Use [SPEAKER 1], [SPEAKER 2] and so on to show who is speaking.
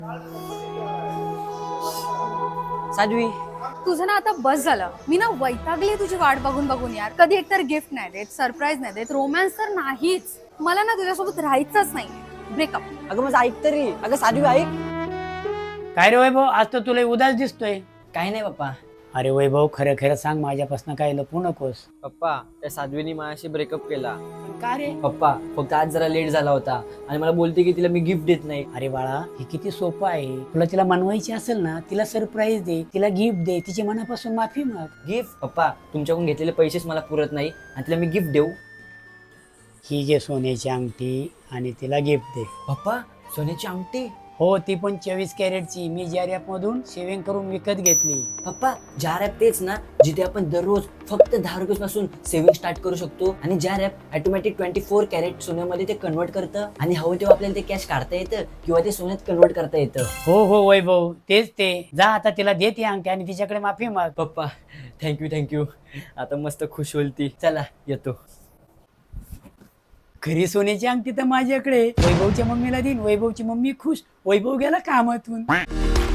[SPEAKER 1] साध्वी,
[SPEAKER 2] तुझं ना आता बस झालं. मी ना वैतागली तुझी वाट बघून बघून यार. कधी एकतर गिफ्ट नाही देत, सरप्राईज नाही देत, रोमॅन्स तर नाहीच. मला ना तुझ्यासोबत राहायचंच नाही. ब्रेकअप.
[SPEAKER 1] अगं माझं ऐक तरी. अगं साध्वी ऐक.
[SPEAKER 3] काय रे वैभव, आज तर तुला उदास दिसतोय.
[SPEAKER 1] काही नाही पप्पा.
[SPEAKER 3] अरे वैभव, खरं खरं सांग, माझ्यापासून काय लपवू नकोस.
[SPEAKER 4] पप्पा त्या साध्वीनी माझ्याशी ब्रेकअप केला.
[SPEAKER 3] का रे?
[SPEAKER 1] पप्पा फक्त आज जरा लेट झाला होता आणि मला बोलते की तिला मी गिफ्ट देत नाही.
[SPEAKER 3] अरे बाळा, हे किती सोपं आहे. तुला तिला मनवायची असेल ना, तिला सरप्राईज दे, तिला गिफ्ट दे, तिची मनापासून माफी माग.
[SPEAKER 1] गिफ्ट? पप्पा तुमच्याकडून घेतलेले पैसेच मला पुरत नाही आणि तिला मी गिफ्ट देऊ?
[SPEAKER 3] ही घे सोन्याची अंगठी आणि तिला गिफ्ट दे.
[SPEAKER 1] पप्पा सोन्याची अंगठी?
[SPEAKER 3] हो, ती पण 24 कॅरेटची. मी ज्या रॅप मधून सेव्हिंग करून विकत घेतली.
[SPEAKER 1] पप्पा ज्या रॅप तेच ना जिथे आपण दररोज फक्त 10 रुपये पासून सेव्हिंग स्टार्ट करू शकतो आणि ज्या रॅप ऑटोमॅटिक 24 कॅरेट सोन्यामध्ये ते कन्वर्ट करतं आणि हवं तेव्हा आपल्याला ते कॅश काढता येतं किंवा ते सोन्यात कन्वर्ट करता येतं.
[SPEAKER 3] हो हो वैभव, तेच ते. जा आता तिला दे ती अंगठी आणि तिच्याकडे माफी माग.
[SPEAKER 1] पप्पा थँक्यू. आता मस्त खुश होईल ती. चला येतो.
[SPEAKER 3] खरी सोन्याची अंगठी तर माझ्याकडे. वैभवच्या मम्मीला देईन. वैभवची मम्मी खुश. वैभव गेला कामातून.